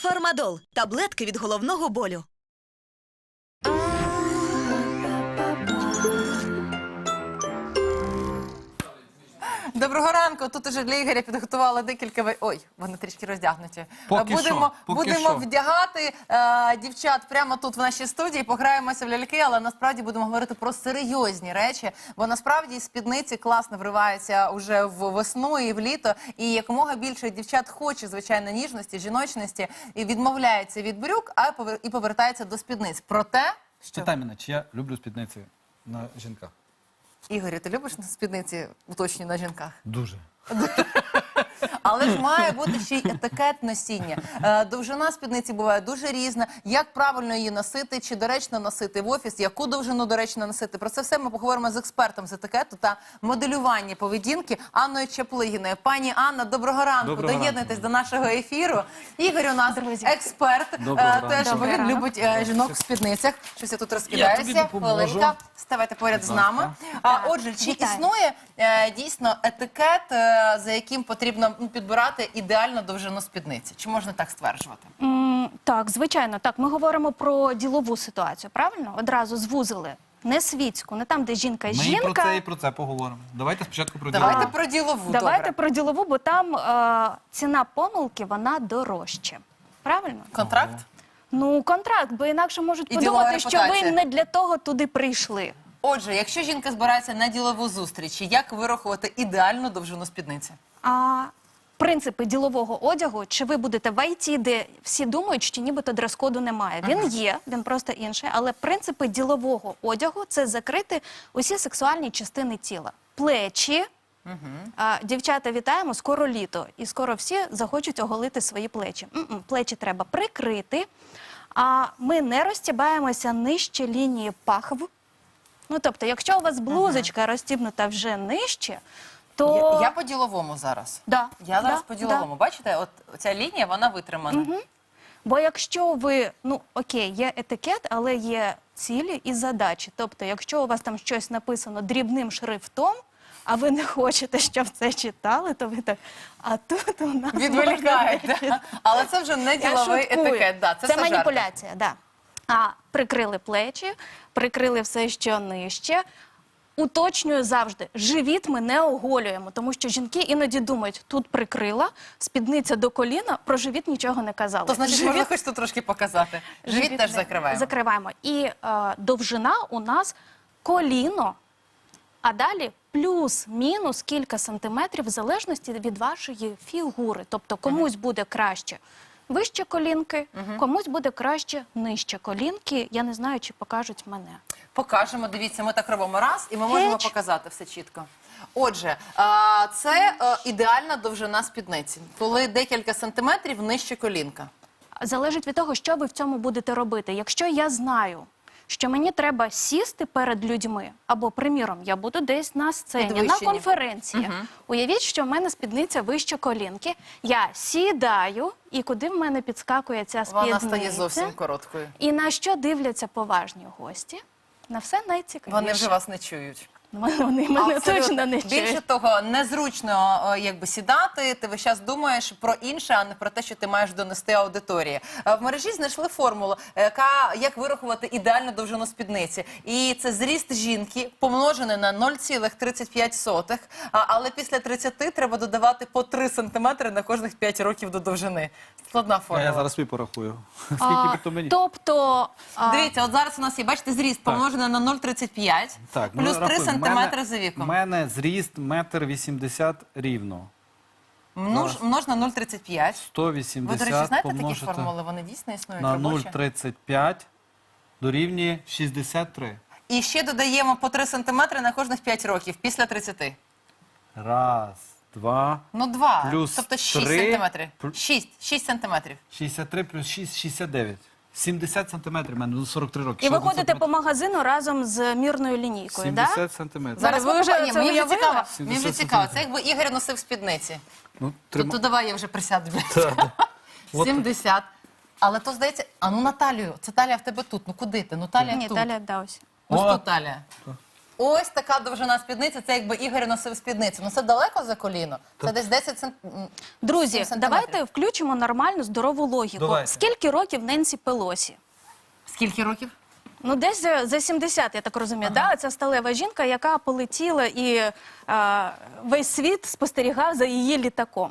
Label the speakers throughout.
Speaker 1: Фармадол – таблетки від головного болю.
Speaker 2: Доброго ранку. Тут уже для Ігоря підготували декілька... Ой, вони трішки роздягнуті. Будемо вдягати дівчат прямо тут в нашій студії, пограємося в ляльки, але насправді будемо говорити про серйозні речі, бо насправді спідниці класно вриваються уже в весну і в літо, і якомога більше дівчат хоче, звичайно, ніжності, жіночності, і відмовляється від брюк, і повертається до спідниць. Проте, що...
Speaker 3: Питай мене, чи я люблю спідниці на жінках?
Speaker 2: Ігорю, ти любиш спідниці, уточні, на жінках?
Speaker 3: Дуже.
Speaker 2: Але ж має бути ще й етикет носіння. Довжина спідниці буває дуже різна. Як правильно її носити, чи доречно носити в офіс, яку довжину доречно носити. Про це все ми поговоримо з експертом з етикету та моделювання поведінки Анною Чаплигіною. Пані Анна, доброго ранку. Доєднуйтесь до нашого ефіру. Ігор у нас експерт, теж, бо він любить жінок в спідницях. Щось я тут розкидаюся. Хвилинка. Ставайте поряд з нами. Отже, чи існує дійсно етикет, за яким потрібно підбирати ідеальну довжину спідниці? Чи можна так стверджувати?
Speaker 4: Так, звичайно. Так, ми говоримо про ділову ситуацію, правильно? Одразу звузили. Не світську, не там, де жінка
Speaker 3: Ми
Speaker 4: жінка.
Speaker 3: і про це поговоримо. Давайте спочатку про ділову.
Speaker 2: Давайте про ділову,
Speaker 4: Давайте
Speaker 2: добре.
Speaker 4: про ділову, бо там ціна помилки, вона дорожча. Правильно?
Speaker 2: Контракт?
Speaker 4: Ну, контракт, бо інакше можуть
Speaker 2: І ділова
Speaker 4: подумати, що ви
Speaker 2: репутація.
Speaker 4: не для того туди прийшли.
Speaker 2: Отже, якщо жінка збирається на ділову зустріч, як вирахувати ідеальну довжину спідниці?
Speaker 4: Принципи ділового одягу, чи ви будете в ІТ, де всі думають, що нібито дрес-коду немає. Він є, він просто інший, але принципи ділового одягу – це закрити усі сексуальні частини тіла. Плечі. Дівчата, вітаємо, скоро літо. І скоро всі захочуть оголити свої плечі. Плечі треба прикрити, а ми не розтібаємося нижче лінії пахв. Ну, тобто, якщо у вас блузочка розтібнута вже нижче, то...
Speaker 2: Я по-діловому зараз.
Speaker 4: Да,
Speaker 2: Я зараз
Speaker 4: да,
Speaker 2: по-діловому. Бачите, от ця лінія, вона витримана.
Speaker 4: Бо якщо ви, ну окей, є етикет, але є цілі і задачі. Тобто, якщо у вас там щось написано дрібним шрифтом, а ви не хочете, щоб це читали, то ви так, а тут у нас...
Speaker 2: Відволікаєте. Але це вже не діловий етикет. Да, це все жарти.
Speaker 4: маніпуляція, да. Прикрили плечі, прикрили все, що нижче. Уточнюю завжди, живіт ми не оголюємо, тому що жінки іноді думають, тут прикрила, спідниця до коліна, про живіт нічого не казали.
Speaker 2: То значить, можна хоч тут трошки показати. Живіт теж закриваємо.
Speaker 4: Закриваємо. І довжина у нас коліно, а далі плюс-мінус кілька сантиметрів в залежності від вашої фігури. Тобто комусь буде краще вище колінки, комусь буде краще нижче колінки. Я не знаю, чи покажуть мене.
Speaker 2: Покажемо, дивіться, ми так робимо раз, і ми можемо показати все чітко. Отже, це ідеальна довжина спідниці, коли декілька сантиметрів нижче колінка.
Speaker 4: Залежить від того, що ви в цьому будете робити. Якщо я знаю, що мені треба сісти перед людьми, або, приміром, я буду десь на сцені, на конференції. Уявіть, що в мене спідниця вище колінки, я сідаю, і куди в мене підскакує ця спідниця?
Speaker 2: Вона стає зовсім короткою.
Speaker 4: І на що дивляться поважні гості? На все найцікавіше.
Speaker 2: Вони вже вас не чують.
Speaker 4: Вони мене точно не чують.
Speaker 2: Більше того, незручно якби сідати, ти весь час думаєш про інше, а не про те, що ти маєш донести аудиторії. В мережі знайшли формулу, як вирахувати ідеальну довжину спідниці. І це зріст жінки помножений на 0,35, але після 30 треба додавати по 3 сантиметри на кожних 5 років до довжини. Складна формула.
Speaker 3: Я зараз свій порахую. Скільки би то мені?
Speaker 4: Тобто...
Speaker 2: Дивіться, от зараз у нас є, бачите, зріст помножений на 0,35, плюс 3 сантиметри за віком.
Speaker 3: У мене зріст 1,80 м рівно.
Speaker 2: Множ на 0,35.
Speaker 3: 180
Speaker 2: Ви, до речі, знаєте такі
Speaker 3: помножити
Speaker 2: формули? Вони дійсно існують
Speaker 3: на
Speaker 2: робочі?
Speaker 3: 0,35 дорівнює 63.
Speaker 2: І ще додаємо по 3 сантиметри на кожних 5 років, після 30.
Speaker 3: Раз, два,
Speaker 2: Ну, 2.
Speaker 3: плюс
Speaker 2: Тобто 6
Speaker 3: 3,
Speaker 2: сантиметрів. 6 сантиметрів.
Speaker 3: 63 плюс 6, 69. 70 сантиметрів, в мене, ну 43 роки.
Speaker 4: І
Speaker 3: Ще
Speaker 4: ви ходите
Speaker 3: один
Speaker 4: по магазину разом з мірною лінійкою, так?
Speaker 3: 70 сантиметрів.
Speaker 2: Зараз
Speaker 4: ви вже
Speaker 2: покажемо.
Speaker 4: це
Speaker 2: Мені вже
Speaker 4: уявили?
Speaker 2: цікаво. Мені
Speaker 3: 70
Speaker 2: вже цікаво. Це
Speaker 3: сантиметрів.
Speaker 2: якби Ігор носив спідниці.
Speaker 3: Ну,
Speaker 2: То давай я вже присяду. 70. Але то, здається, а ну на талію. Це талія в тебе тут. Ну куди ти? Ну талія
Speaker 4: Ні,
Speaker 2: тут.
Speaker 4: талія, да, ось.
Speaker 2: Ось
Speaker 3: О.
Speaker 2: тут талія. Ось така довжина спідниці, це якби Ігор носив спідницю. Ну це далеко за коліно? Це десь 10 сантиметрів.
Speaker 4: Друзі, давайте включимо нормальну здорову логіку.
Speaker 3: Давайте.
Speaker 4: Скільки років Ненсі Пелосі?
Speaker 2: Скільки років?
Speaker 4: Ну, десь за 70, я так розумію. Да? Ця сталева жінка, яка полетіла і весь світ спостерігав за її літаком.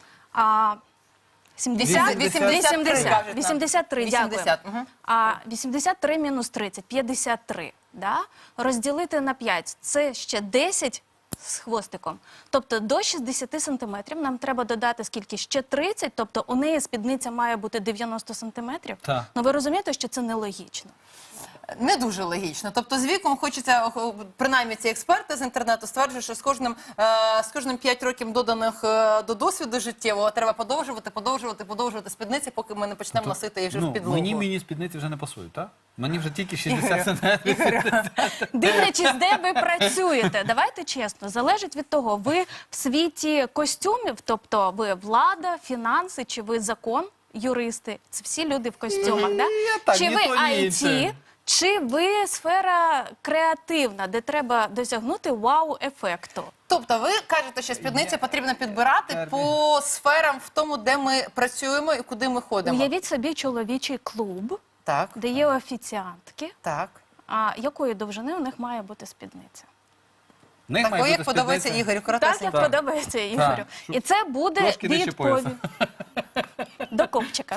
Speaker 4: 70?
Speaker 2: 83, кажуть нам.
Speaker 4: 83, дякую.
Speaker 2: 80, мгм.
Speaker 4: 83 мінус 30, 53. Да? Розділити на 5, це ще 10 з хвостиком. Тобто до 60 сантиметрів нам треба додати скільки? Ще 30, тобто у неї спідниця має бути 90 сантиметрів.
Speaker 3: Так.
Speaker 4: Ну ви розумієте, що це нелогічно.
Speaker 2: Не дуже логічно. Тобто з віком хочеться, принаймні ці експерти з інтернету стверджують, що з кожним 5 років доданих до досвіду життєвого треба подовжувати спідниці, поки ми не почнемо носити їх вже в підлогу.
Speaker 3: Мені спідниці вже не пасують, так? Мені вже тільки 60 сантиметрів.
Speaker 4: Дивлячись, де ви працюєте, давайте чесно, залежить від того, ви в світі костюмів, тобто ви влада, фінанси, чи ви закон, юристи, це всі люди в костюмах, да?
Speaker 3: так,
Speaker 4: Чи
Speaker 3: ні
Speaker 4: ви
Speaker 3: то, ні
Speaker 4: IT,
Speaker 3: інше.
Speaker 4: чи ви сфера креативна, де треба досягнути вау-ефекту?
Speaker 2: Тобто ви кажете, що спідницю потрібно підбирати по сферам в тому, де ми працюємо і куди ми ходимо.
Speaker 4: Уявіть собі чоловічий клуб,
Speaker 2: Так,
Speaker 4: де є офіціантки,
Speaker 2: так.
Speaker 4: а якої довжини у них має бути спідниця?
Speaker 3: В них має
Speaker 2: Такої, як
Speaker 3: бути
Speaker 2: подобається
Speaker 3: спідниця.
Speaker 2: Ігорю,
Speaker 4: Так,
Speaker 2: коротесенько.
Speaker 4: як подобається Ігорю.
Speaker 3: щоб
Speaker 4: І це буде
Speaker 3: трошки нижче пояса.
Speaker 4: до копчика.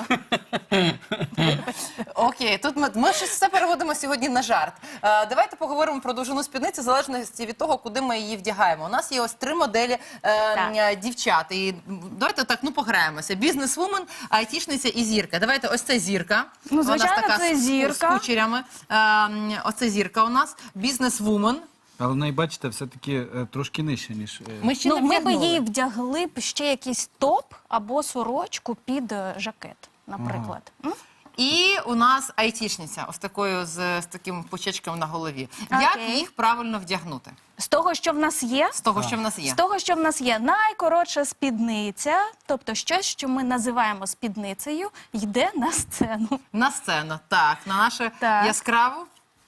Speaker 2: Окей, тут ми щось все переводимо сьогодні на жарт. Давайте поговоримо про довжину спідниці в залежності від того, куди ми її вдягаємо. У нас є ось 3 моделі дівчат. І давайте так, пограємося. Бізнес-вумен, айтішниця і зірка. Давайте, ось це зірка.
Speaker 4: Ну, звичайно,
Speaker 2: Вона така
Speaker 4: це зірка.
Speaker 2: з кучерями. Оце зірка у нас. Бізнес-вумен.
Speaker 3: Але в неї, бачите, все-таки трошки нижче, ніж...
Speaker 2: Ми ще
Speaker 4: Ну,
Speaker 2: не
Speaker 4: ми би
Speaker 2: вдягнули.
Speaker 4: їй вдягли б ще якийсь топ або сорочку під жакет, наприклад. М?
Speaker 2: І у нас айтішниця, ось такою з таким почечком на голові. Як
Speaker 4: Окей.
Speaker 2: їх правильно вдягнути?
Speaker 4: З того, що в нас є,
Speaker 2: З того, що в нас є.
Speaker 4: з того, що в нас є найкоротша спідниця, тобто щось, що ми називаємо спідницею, йде на сцену.
Speaker 2: На сцену, так, на нашу
Speaker 4: Так.
Speaker 2: яскраву.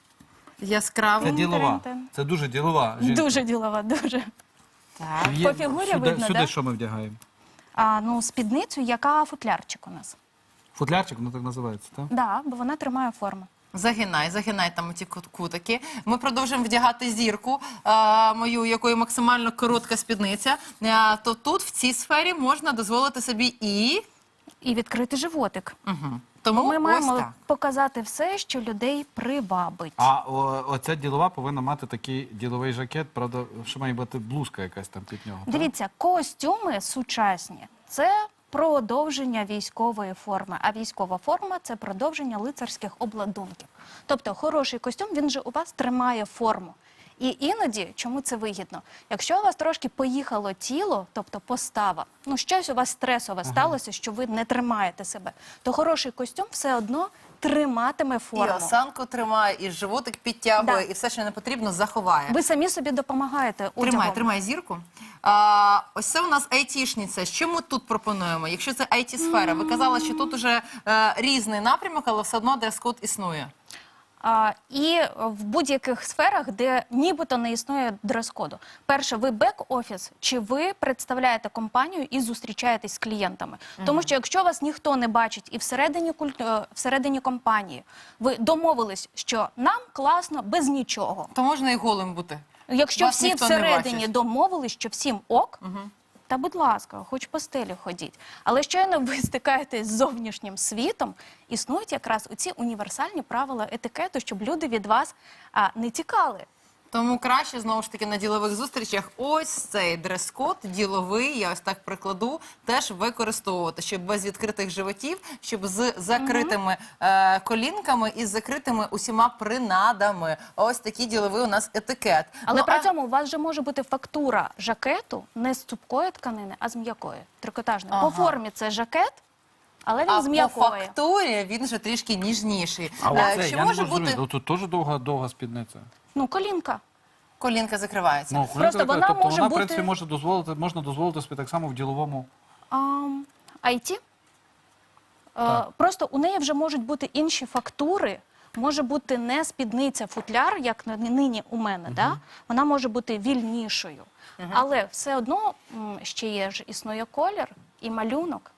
Speaker 3: Це ділова.
Speaker 4: Тин-тин-тин.
Speaker 3: Це дуже ділова жінка.
Speaker 4: Дуже ділова, дуже.
Speaker 2: Так.
Speaker 4: По фігурі видно,
Speaker 3: сюди
Speaker 4: да?
Speaker 3: що ми вдягаємо?
Speaker 4: Ну, спідницю, яка футлярчик у нас.
Speaker 3: Футлярчик, воно так називається, так?
Speaker 4: Да, бо вона тримає форму.
Speaker 2: Загинай там ті кутики. Ми продовжуємо вдягати зірку, мою, якої максимально коротка спідниця. То тут, в цій сфері, можна дозволити собі
Speaker 4: І відкрити животик.
Speaker 2: Угу.
Speaker 4: Бо
Speaker 2: Тому
Speaker 4: ми
Speaker 2: ось
Speaker 4: маємо
Speaker 2: так.
Speaker 4: показати все, що людей привабить.
Speaker 3: А оця ділова повинна мати такий діловий жакет, правда, що має бути блузка якась там під нього. так?
Speaker 4: Дивіться, костюми сучасні – це продовження військової форми, а військова форма – це продовження лицарських обладунків. Тобто хороший костюм, він же у вас тримає форму. І іноді, чому це вигідно? Якщо у вас трошки поїхало тіло, тобто постава, ну щось у вас стресове сталося, що ви не тримаєте себе, то хороший костюм все одно триматиме
Speaker 2: І
Speaker 4: форму.
Speaker 2: осанку тримає, і животик підтягує,
Speaker 4: Да.
Speaker 2: і все, що не потрібно, заховає.
Speaker 4: Ви самі собі допомагаєте одягом.
Speaker 2: Тримай зірку. Ось це у нас айтішниця. Що ми тут пропонуємо? Якщо це айті-сфера, ви казали, що тут уже різний напрямок, але все одно дрес-код існує.
Speaker 4: І в будь-яких сферах, де нібито не існує дрес-коду. Перше, ви бек-офіс, чи ви представляєте компанію і зустрічаєтесь з клієнтами? Тому що якщо вас ніхто не бачить і всередині компанії ви домовились, що нам класно без нічого.
Speaker 2: То можна і голим бути.
Speaker 4: Якщо
Speaker 2: Вас
Speaker 4: всі
Speaker 2: ніхто не
Speaker 4: всередині
Speaker 2: бачить.
Speaker 4: домовились, що всім ок, та будь ласка, хоч по стелі ходіть. Але щойно ви стикаєтесь з зовнішнім світом, існують якраз оці універсальні правила етикету, щоб люди від вас не тікали.
Speaker 2: Тому краще, знову ж таки, на ділових зустрічах ось цей дрес-код діловий, я ось так прикладу, теж використовувати, щоб без відкритих животів, щоб з закритими колінками і з закритими усіма принадами. Ось такий діловий у нас етикет.
Speaker 4: Але
Speaker 2: Ну,
Speaker 4: при цьому у вас же може бути фактура жакету не з цупкої тканини, а з м'якої, трикотажної.
Speaker 2: Ага.
Speaker 4: По формі це жакет, але він
Speaker 2: а
Speaker 4: з
Speaker 2: по
Speaker 4: м'якої.
Speaker 2: фактурі він вже трішки ніжніший.
Speaker 3: А оце,
Speaker 2: Чи
Speaker 3: я не
Speaker 2: може
Speaker 3: можу
Speaker 2: бути
Speaker 3: зрозуміти, тут теж довга спідниця.
Speaker 4: Ну, колінка.
Speaker 2: колінка закривається?
Speaker 3: Ну,
Speaker 4: Просто вона
Speaker 3: тобто
Speaker 4: може
Speaker 3: вона, в
Speaker 4: бути-
Speaker 3: принципі, можна дозволити собі так само в діловому...
Speaker 4: IT. Просто у неї вже можуть бути інші фактури, може бути не спідниця, футляр, як нині у мене, да? Вона може бути вільнішою. Але все одно ще є ж існує колір і малюнок.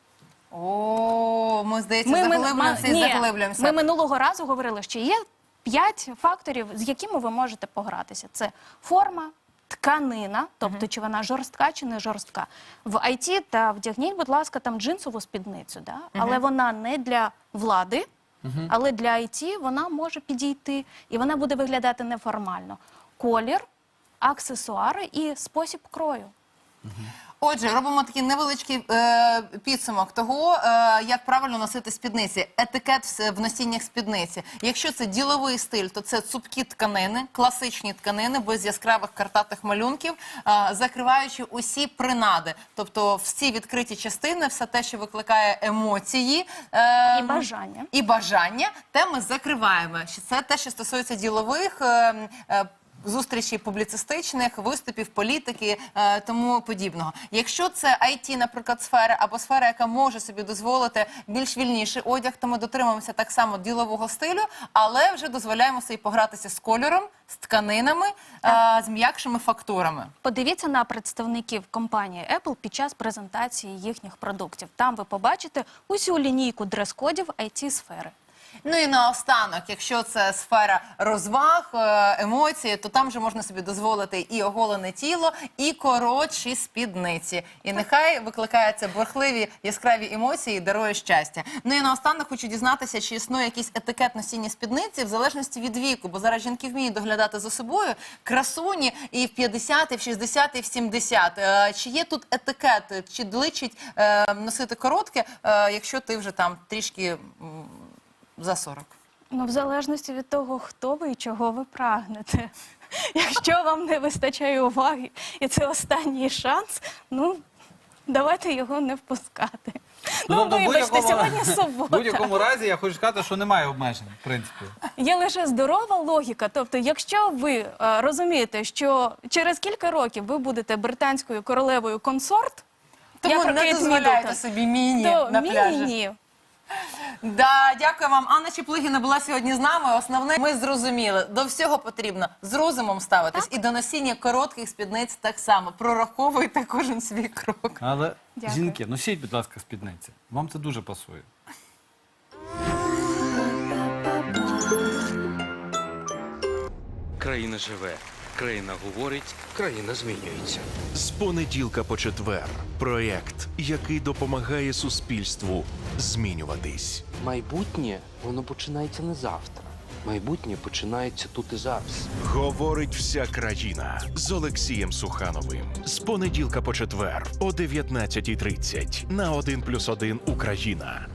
Speaker 2: О, ми, здається, заглиблюємося і заглиблюємося.
Speaker 4: Ми минулого разу говорили, що є 5 факторів, з якими ви можете погратися. Це форма, тканина, тобто чи вона жорстка, чи не жорстка. В IT та вдягніть, будь ласка, там джинсову спідницю, да? Але вона не для влади, але для IT вона може підійти, і вона буде виглядати неформально. Колір, аксесуари і спосіб крою.
Speaker 2: Отже, робимо такий невеличкий підсумок того, як правильно носити спідниці. Етикет в носіннях спідниці. Якщо це діловий стиль, то це цупкі тканини, класичні тканини, без яскравих картатих малюнків, закриваючи усі принади. Тобто всі відкриті частини, все те, що викликає емоції.
Speaker 4: І бажання.
Speaker 2: І бажання, те ми закриваємо. Це те, що стосується ділових зустрічей публіцистичних, виступів, політики, тому подібного. Якщо це IT, наприклад, сфера, або сфера, яка може собі дозволити більш вільніший одяг, то ми дотримуємося так само ділового стилю, але вже дозволяємо собі погратися з кольором, з тканинами, з м'якшими фактурами.
Speaker 4: Подивіться на представників компанії Apple під час презентації їхніх продуктів. Там ви побачите усю лінійку дрес-кодів IT-сфери.
Speaker 2: Ну і наостанок, якщо це сфера розваг, емоцій, то там вже можна собі дозволити і оголене тіло, і коротші спідниці. І нехай викликає це бурхливі, яскраві емоції і дарує щастя. Ну і наостанок хочу дізнатися, чи існує якийсь етикет носіння спідниці в залежності від віку, бо зараз жінки вміють доглядати за собою, красуні і в 50, і в 60, і в 70. Чи є тут етикет, чи личить носити коротке, якщо ти вже там трішки за 40?
Speaker 4: Ну, в залежності від того, хто ви і чого ви прагнете. Якщо вам не вистачає уваги, і це останній шанс, ну, давайте його не впускати. Ну,
Speaker 3: тобто,
Speaker 4: вибачте, сьогодні
Speaker 3: в
Speaker 4: субота.
Speaker 3: будь-якому разі я хочу сказати, що немає обмежень, в принципі.
Speaker 4: Є лише здорова логіка. Тобто, якщо ви розумієте, що через кілька років ви будете британською королевою консорт,
Speaker 2: Тому
Speaker 4: як
Speaker 2: не
Speaker 4: Кейт
Speaker 2: дозволяйте
Speaker 4: Міддлтон,
Speaker 2: собі міні
Speaker 4: то
Speaker 2: на пляжі.
Speaker 4: міні.
Speaker 2: Да, дякую вам. Анна Чеплигіна була сьогодні з нами. Основне, ми зрозуміли, до всього потрібно з розумом ставитись. І до носіння коротких спідниць так само. Прораховуйте кожен свій крок.
Speaker 3: Але,
Speaker 4: Дякую.
Speaker 3: жінки, носіть, будь ласка, спідниці. Вам це дуже пасує.
Speaker 5: Країна живе, країна говорить, країна змінюється.
Speaker 6: З понеділка по четвер. Проєкт, який допомагає суспільству змінюватись.
Speaker 5: Майбутнє, воно починається не завтра. Майбутнє починається тут і зараз.
Speaker 6: Говорить вся країна з Олексієм Сухановим. З понеділка по четвер о 19:30 на 1+1 Україна.